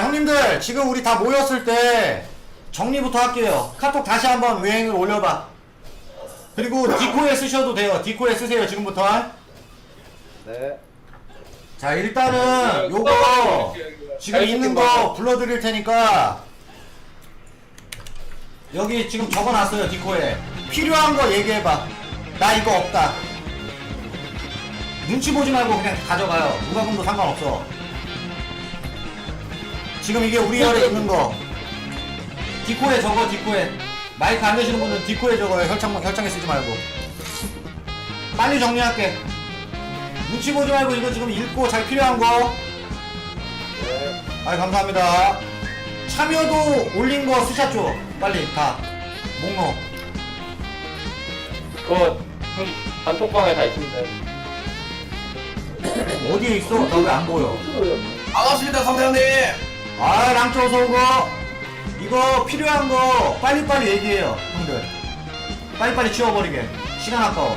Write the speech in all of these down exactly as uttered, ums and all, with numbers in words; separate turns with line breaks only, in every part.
형님들 지금 우리 다 모였을 때 정리부터 할게요. 카톡 다시 한번 외행을 올려봐. 그리고 디코에 쓰셔도 돼요. 디코에 쓰세요 지금부터.
네.
자 일단은 요거 지금 있는 거 불러드릴 테니까 여기 지금 적어놨어요. 디코에 필요한 거 얘기해봐. 나 이거 없다. 눈치 보지 말고 그냥 가져가요. 누가 금도 상관없어. 지금 이게 우리 열에 있는 거 디코에 적어. 디코에 마이크 안 되시는 분은 디코에 적어요. 혈창, 혈창에 쓰지 말고. 빨리 정리할게. 눈치 보지 말고 이거 지금 읽고 잘 필요한 거.
네.
아이 감사합니다. 참여도 올린 거 스샷줘. 빨리 다 목록.
그거 단톡방에 다 있습니다.
어디에 있어? 나 왜 안 보여?
반갑습니다 선배님.
아 랑초 어서오고. 이거 필요한 거 빨리빨리 얘기해요 형들. 빨리빨리 치워버리게. 시간 아까워.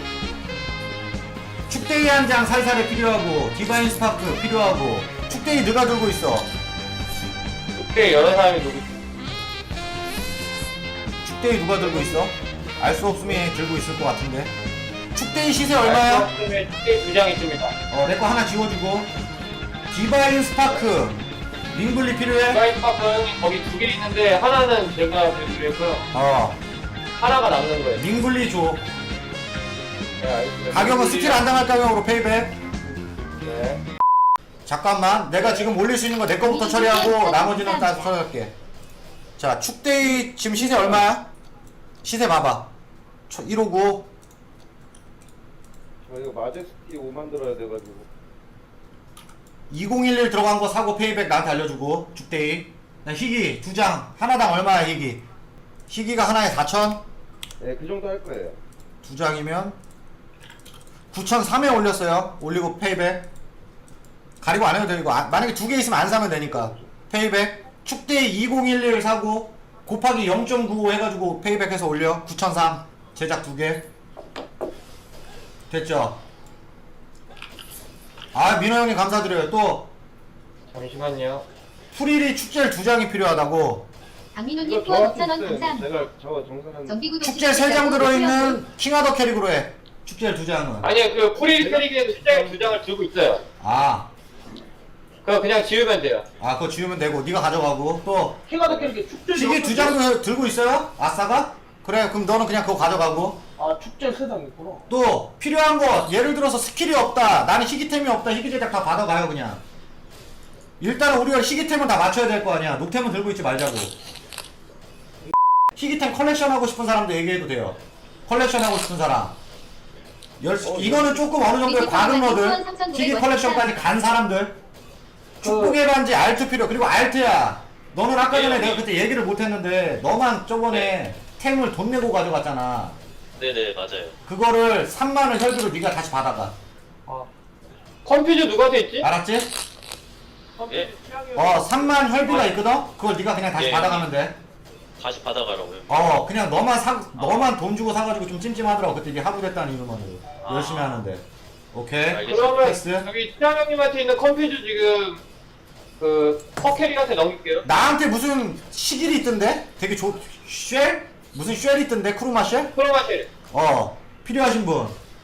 축대이 한 장 살살에 필요하고 디바인 스파크 필요하고. 축대이 누가 들고 있어?
그때 여러 사람이 누구
축대이 누가 들고 있어? 알 수 없으면 들고 있을 것 같은데. 축대이 시세 얼마야?
그때 두 장 있습니다.
어 내 거 하나 지워주고. 디바인 스파크 링블리 필요해?
스카이파크 형님 거기 두 개 있는데 하나는 제가 드리고요.
어
하나가 남는 거예요.
링블리 줘.
네, 알겠습니다.
가격은 스틸 안 당할 가격으로 페이백.
네.
잠깐만 내가 지금 올릴 수 있는 거 내 거부터 처리하고 나머지는 다 처리할게. 자 축대이 지금 시세 얼마야? 시세 봐봐. 일오구.
저 이거 마제스티 오 만들어야 돼가지고.
이공일일 들어간 거 사고 페이백 나한테 알려주고. 축대이 희귀 두 장 하나당 얼마야 희귀? 희귀가 하나에 사천?
네, 그 정도 할 거예요.
두 장이면 구천삼에 올렸어요. 올리고 페이백. 가리고 안 해도 되고. 아, 만약에 두 개 있으면 안 사면 되니까 페이백. 축대이 이공일일 사고 곱하기 영 점 구오 해가지고 페이백 해서 올려. 구천삼 제작 두 개 됐죠? 아 민호 형님 감사드려요. 또
잠시만요.
프리리 축제일 두 장이 필요하다고.
박민호님
이거
후원
정확히
오천 원
있어요.
감사합니다.
내가 저 정산한.
정기구독
축제일 세 장 들어있는 킹하더 캐릭으로 해. 축제일 두 장은.
아니요, 그 프리 캐릭에도 실장이 두 장을 들고 있어요.
아,
그거 그냥 지우면 돼요.
아 그거 지우면 되고 네가 가져가고. 또
킹하드 캐릭터 축제.
시계 두 장도 들고 있어요? 아싸가? 그래 그럼 너는 그냥 그거 가져가고.
아 축제 세장 있구나.
또 필요한 거 예를 들어서 스킬이 없다, 나는 희귀템이 없다, 희귀 제작 다 받아가요 그냥. 일단은 우리가 희귀템은 다 맞춰야 될 거 아니야. 녹템은 들고 있지 말자고. 희귀템 컬렉션 하고 싶은 사람도 얘기해도 돼요. 컬렉션 하고 싶은 사람. 열, 이거는 조금 어느 정도의 과금러들, 희귀 컬렉션까지 간 사람들. 축복의 반지 알트 필요. 그리고 알트야, 너는 아까 전에 내가 그때 얘기를 못했는데 너만 저번에 템을 돈 내고 가져갔잖아.
네네 맞아요.
그거를 삼만원 혈비로 네가 다시 받아가.
아. 컴퓨터 누구한테 있지?
알았지?
예?
어 삼만 혈비가 있거든? 그걸 네가 그냥 다시
예.
받아가면 돼.
다시 받아가라고요.
어 그냥 너만 사 너만 돈 주고 사가지고 좀 찜찜하더라고. 그때 이게 하루 됐다는 이유만으로.
아.
열심히 하는데. 오케이.
알겠습니다.
그러면
텍스.
여기 시장 형님한테 있는 컴퓨터 지금 그 퍼캐릭한테 넘길게요.
나한테 무슨 시길이 있던데? 되게 좋.. 쉘? 무슨 쉘이 있던데? 크루마 쉘?
프로마실.
어 필요하신 분.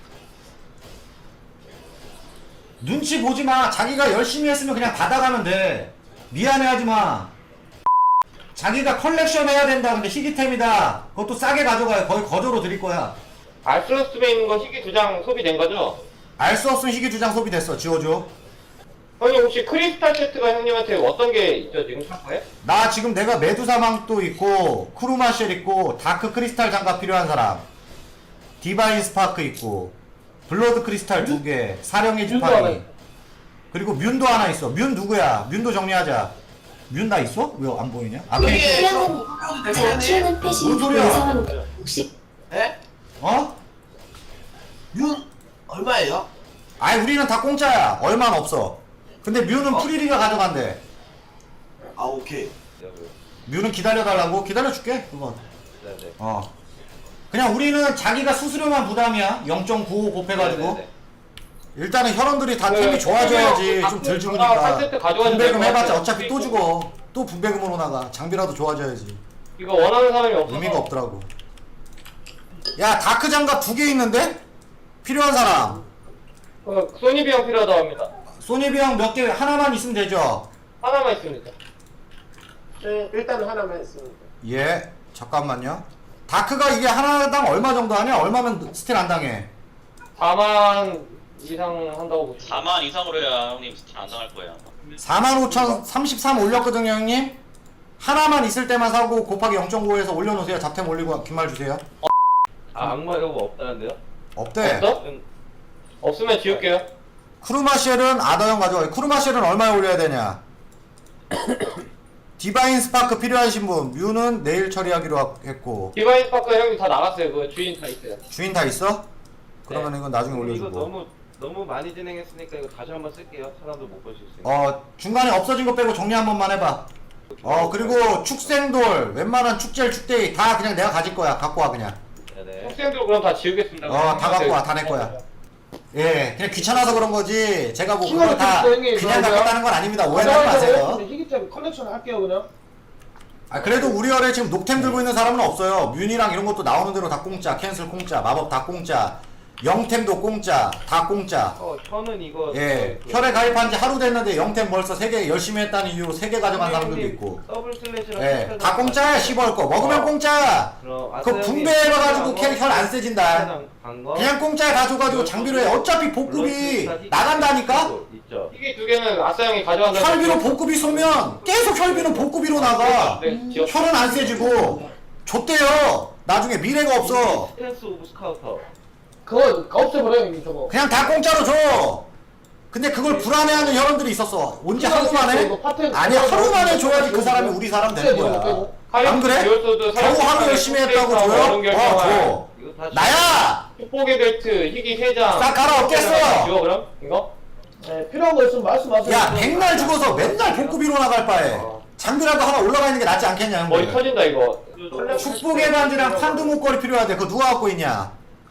눈치 보지마. 자기가 열심히 했으면 그냥 받아가면 돼. 미안해하지마. 자기가 컬렉션 해야 된다. 근데 희귀템이다. 그것도 싸게 가져가요. 거의 거저로 드릴 거야.
알스로스에 있는 거 희귀 두 장 소비된 거죠?
알 수 없으면 희귀 두 장 소비됐어. 지워줘.
형님 혹시 크리스탈 세트가 형님한테 어떤 게 있죠 지금 상가에?
나 지금 내가 메두사망도 있고 크루마쉘 있고 다크 크리스탈 장갑 필요한 사람, 디바인 스파크 있고 블러드 크리스탈 두 개, 사령의
뮨도 하나
지팡이,
있-
그리고 뮨도 하나 있어. 뮨 누구야? 뮨도 정리하자. 뮨 나 있어? 왜 안 보이냐? 앞에 있어.
예.
자, 키우는 패시
뭔 소리야?
영상은 혹시
예?
어?
윤 얼마예요?
아이 우리는 다 공짜야. 얼마는 없어. 근데 뮨는 프리리가 가져간대.
아 오케이.
뮨는 기다려달라고? 기다려줄게 그건.
네네.
어 그냥 우리는 자기가 수수료만 부담이야. 영 점 구오 곱해가지고.
네네네.
일단은 혈원들이 다
네,
팀이 좋아져야지
한
좀 덜
세트
죽으니까.
가져가야
분배금
될것
해봤자
같아요.
어차피 또 죽어. 또 분배금으로 나가. 장비라도 좋아져야지.
이거 원하는 사람이 없어.
의미가 없더라고. 야 다크 장갑 두 개 있는데? 필요한 사람.
어, 소니 비용 필요하다고 합니다.
소니 비용 몇 개 하나만 있으면 되죠?
하나만 있습니다.
네, 일단은 하나만 했습니다.
예. 잠깐만요. 다크가 이게 하나당 얼마 정도 하냐? 얼마면 스틸 안 당해?
사만 이상 한다고 보시면.
사만 이상으로 해야 형님 스틸 안 당할 거예요. 아마.
사만 오천 삼십삼 올렸거든요 형님. 하나만 있을 때만 사고 곱하기 영 점 오에서 올려놓으세요. 잡템 올리고 긴말 주세요.
아 악마 이거 없다는데요?
없대.
없어? 없으면 지울게요.
크루마쉘은 아더형 가져가요. 크루마쉘은 얼마에 올려야 되냐? 디바인 스파크 필요하신 분 뮤는 내일 처리하기로 했고
디바인 스파크 형님 다 나갔어요. 그거 주인 다 있어요.
주인 다 있어? 그러면
네.
이건 나중에
이거
올려주고
너무 너무 많이 진행했으니까 이거 다시 한번 쓸게요. 사람도 못 보실 수 있는.
어 중간에 없어진 거 빼고 정리 한 번만 해봐. 어 그리고 축생돌 웬만한 축제일 축대이 다 그냥 내가 가질 거야. 갖고 와 그냥.
네네.
학생들 그럼 다 지우겠습니다.
어, 다 갖고 와, 다 내 거야. 예 그냥 귀찮아서 그런 거지 제가 뭐 그거 다
킹오브 형님,
그냥
그러면?
갖겠다는 건 아닙니다. 오해하지 마세요.
희귀템 컬렉션 할게요 그냥.
아 그래도 우리 열에 지금 녹템 들고 있는 사람은 없어요. 뮤니랑 이런 것도 나오는 대로 다 공짜, 캔슬 공짜, 마법 다 공짜, 영템도 공짜, 다 공짜.
어 현은 이거.
예,
그-
혈에 가입한 지 하루 됐는데 영템 벌써 세 개 열심히 했다는 이유로 세 개 가져간 사람들도
형님,
있고.
더블 슬래시랑
예,
스페셜
다 공짜야 십월 거. 먹으면
어.
공짜.
그럼
그거
아싸 형님
분배해가지고
스페셜
혈 안 세진다.
스페셜 간 거?
그냥 공짜에 다 줘가지고 장비로 해. 어차피 복급이 나간다니까?
있죠.
희귀 두 개는 아싸 형이 가져간다.
혈비로 복급이 쏘면 계속 혈비는 복급이로 나가.
네, 지웠-
혈은 안 세지고. 좆대요. 나중에 미래가 없어.
스탠스 오브 스카우터.
그거 없애버려요 이미 저거.
그냥 다 공짜로 줘. 근데 그걸 불안해하는 혈원들이 있었어. 언제 하루 만에? 아니 하루 만에 줘야지 그 사람이 우리 사람 되는 거야. 안 그래? 겨우 하루 열심히 했다고 줘요? 어 줘.
이거 다
나야!
축복의 벨트, 희귀 세 장.
싹 갈아엎겠어!
지워 그럼? 이거?
네, 필요한 거 있으면 말씀하세요.
야 백날 죽어서 맨날 복급이로 나갈 바에 장비라도 하나 올라가 있는 게 낫지 않겠냐
머리
형들.
터진다 이거.
축복의 반지랑 판두 목걸이 필요하대. 그거 누가 갖고 있냐?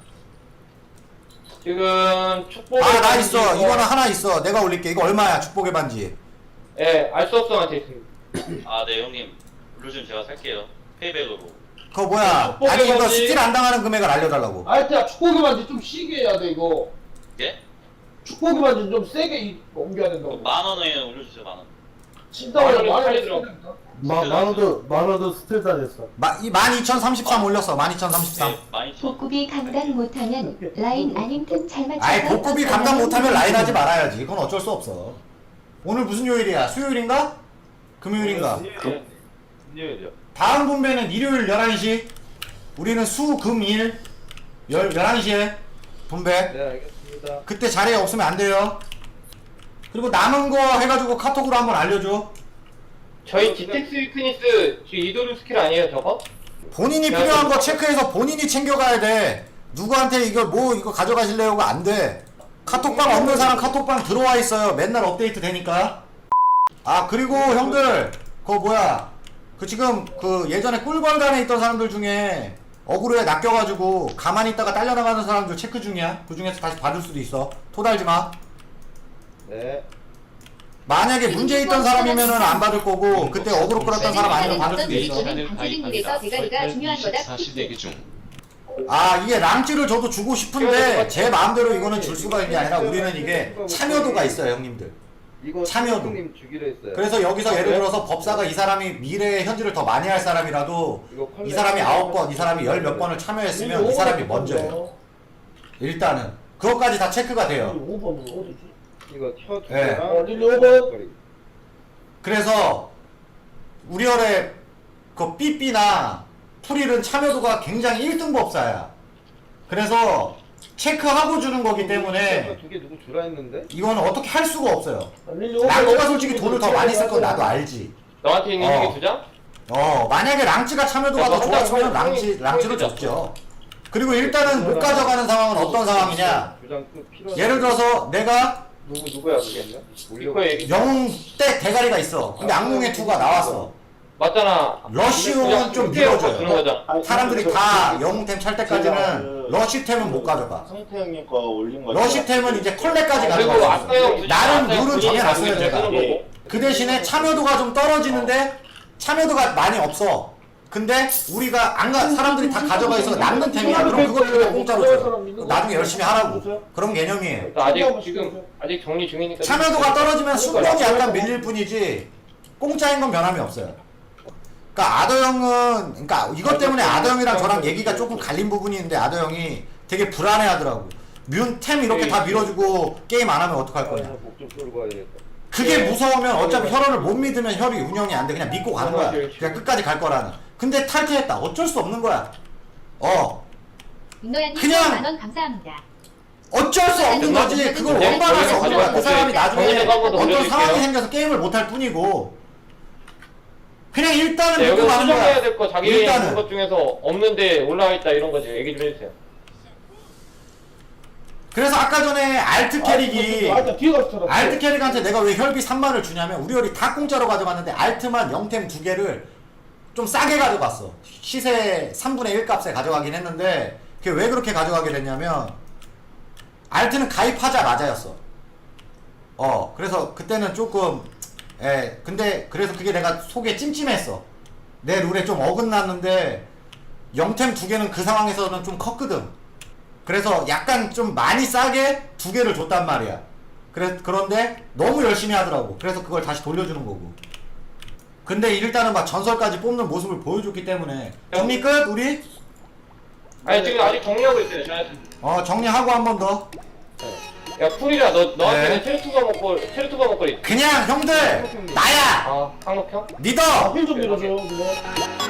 지금 축복의
아 나
반지
있어.
이거-
이거는 하나 있어. 내가 올릴게. 이거 얼마야 축복의 반지?
예, 알 수 없어한테 있습니다.
아, 네 형님. 블루즘 제가 살게요. 페이백으로.
그거 뭐야?
축복의
아니 이거
반지.
스틸 안 당하는 금액을 알려달라고.
아, 일단 축복의 반지 좀 시게 해야 돼 이거.
예?
축복의 반지 좀 세게 이- 옮겨야
그
된다고.
만 원에 올려주세요, 만 원.
진짜
만원이
많이
팔리더라고.
했어.
마, 만원도 만원도 스틸 다녔어.
마, 이 만 이천삼십삼 올렸어. 만 이천삼십삼.
네, 많이 쳐.
복급이 감당 못하면 라인 아님 틈 잘 맞춰서
아이 복급이 감당 못하면 라인 하지 말아야지. 그건 어쩔 수 없어. 오늘 무슨 요일이야? 수요일인가? 금요일인가?
금요일이요.
다음 분배는 일요일 열한 시. 우리는 수, 금, 일 열, 열한 시에 분배.
네 알겠습니다.
그때 자리에 없으면 안 돼요. 그리고 남은 거 해가지고 카톡으로 한번 알려줘.
저희 지텍스 위크니스 지금 이도류 스킬 아니에요 저거?
본인이
야,
필요한
저-
거 체크해서 본인이 챙겨가야 돼. 누구한테 이거 뭐 이거 가져가실래요가 안 돼. 카톡방 없는 사람 카톡방 들어와 있어요. 맨날 업데이트 되니까. 아 그리고 형들 그거 뭐야 그 지금 그 예전에 꿀벌간에 있던 사람들 중에 어그로에 낚여가지고 가만히 있다가 딸려나가는 사람들 체크 중이야. 그 중에서 다시 받을 수도 있어. 토달지 마.
네.
만약에 문제 있던 사람이면은 안 받을 거고 그때 어그로 끌었던 사람 아니면 받을 수도 있어.
방송국에서 대가리가 중요한 거다.
아 이게 랑찌를 저도 주고 싶은데 제 마음대로 이거는 줄 수가 있는 게 아니라 우리는 이게 참여도가 있어요 형님들.
이거
참여도.
님 주기로 했어요.
그래서 여기서 예를 들어서 법사가 이 사람이 미래의 현질을 더 많이 할 사람이라도
이거 컬렉-
이 사람이 아홉 번, 이 사람이 열 몇 번을 참여했으면 이 사람이 먼저예요. 일단은 그것까지 다 체크가 돼요.
오 번은 어디지?
이거 혀 두
네.
개랑
어, 릴리 오버.
그래서 우리 열의 그 삐삐나 풀일은 참여도가 굉장히 일 등 법사야. 그래서 체크하고 주는 거기 때문에
두개 누구 주라 했는데?
이거는 어떻게 할 수가 없어요.
릴리 오버.
랑찌가 솔직히 돈을 더 많이 쓸 건 나도 알지.
너한테 있는
어.
희귀 두 장?
어 만약에 랑찌가 참여도가
야,
더
너
좋았으면
형,
랑찌
형이-
랑찌로
형이
줬죠. 그리고 일단은 못 가져가는 상황은 어떤 상황이냐?
두장 필요.
예를 들어서 내가
누구 누구야 그게요?
이거 얘기.
영웅 때 대가리가 있어. 근데 악몽의 투가 나왔어.
맞잖아.
러쉬용은 좀
주는
밀어줘요.
거잖아.
사람들이 다 영웅템 찰 때까지는 러쉬템은 못 가져가.
성태 형님 거 올린 거.
러쉬템은 이제 컬렉까지
그리고
가져가.
왔어요.
나름
왔어요.
룰은
본인이
정해놨어요,
가지고
제가.
쓰는 거고.
그 대신에 참여도가 좀 떨어지는데 참여도가 많이 없어. 근데 우리가 안 가, 사람들이 다 가져가 있어 남는 템이야. 그럼 그걸 그냥 공짜로 줘. 나중에 열심히 하라고. 그런 개념이에요.
아직 지금 아직 정리 중이니까.
참여도가 떨어지면 순번이 약간 밀릴 뿐이지 공짜인 건 변함이 없어요. 그러니까 아더 형은 그러니까 이것 때문에 아더 형이랑 저랑 얘기가 조금 갈린 부분이 있는데 아더 형이 되게 불안해하더라고. 뮨템 이렇게 다 밀어주고 게임 안 하면 어떡할 거냐.
목좀 끌고 가야겠다.
그게 무서우면 어차피 혈원을 못 믿으면 혈이 운영이 안 돼. 그냥 믿고 가는 거야. 그냥 끝까지 갈 거라는. 근데 탈퇴했다. 어쩔 수 없는 거야. 어.
윤노야님
그냥-
만원 감사합니다.
어쩔 수 없는 거지. 그걸
네,
원만할 수 없는 거야. 그 사람이
네,
나중에
정리해서 한번더
어떤
올려줄게요.
상황이 생겨서 게임을 못 할 뿐이고. 그냥 일단은
네,
믿고
여기
가는
수정해야
거야.
될 거 자기
일단은.
있는 것 중에서 없는데 올라와 있다 이런 거 얘기 좀 해주세요.
그래서 아까 전에 알트 캐릭이
아, 나 뒤에 갔어.
알트 캐릭한테 내가 왜 혈비 삼만을 주냐면 우리 혈이 다 공짜로 가져갔는데 알트만 영템 두 개를 좀 싸게 가져갔어. 시세 삼분의 일 값에 가져가긴 했는데 그게 왜 그렇게 가져가게 됐냐면 알트는 가입하자마자였어. 어 그래서 그때는 조금 예 근데 그래서 그게 내가 속에 찜찜했어. 내 룰에 좀 어긋났는데 영템 두 개는 그 상황에서는 좀 컸거든. 그래서 약간 좀 많이 싸게 두 개를 줬단 말이야. 그래, 그런데 너무 열심히 하더라고. 그래서 그걸 다시 돌려주는 거고. 근데 일단은 막 전설까지 뽑는 모습을 보여줬기 때문에 정리 끝 우리?
아니 지금 아직 정리하고 있어요. 저한테.
어 정리하고 한 번 더.
야 풀이라 너 너한테는
네.
체르투가 먹고 체르투가 먹고 있.
그냥 형들 나야
아 한국형?
믿어.
아, 힐좀 밀어줘요, 그거.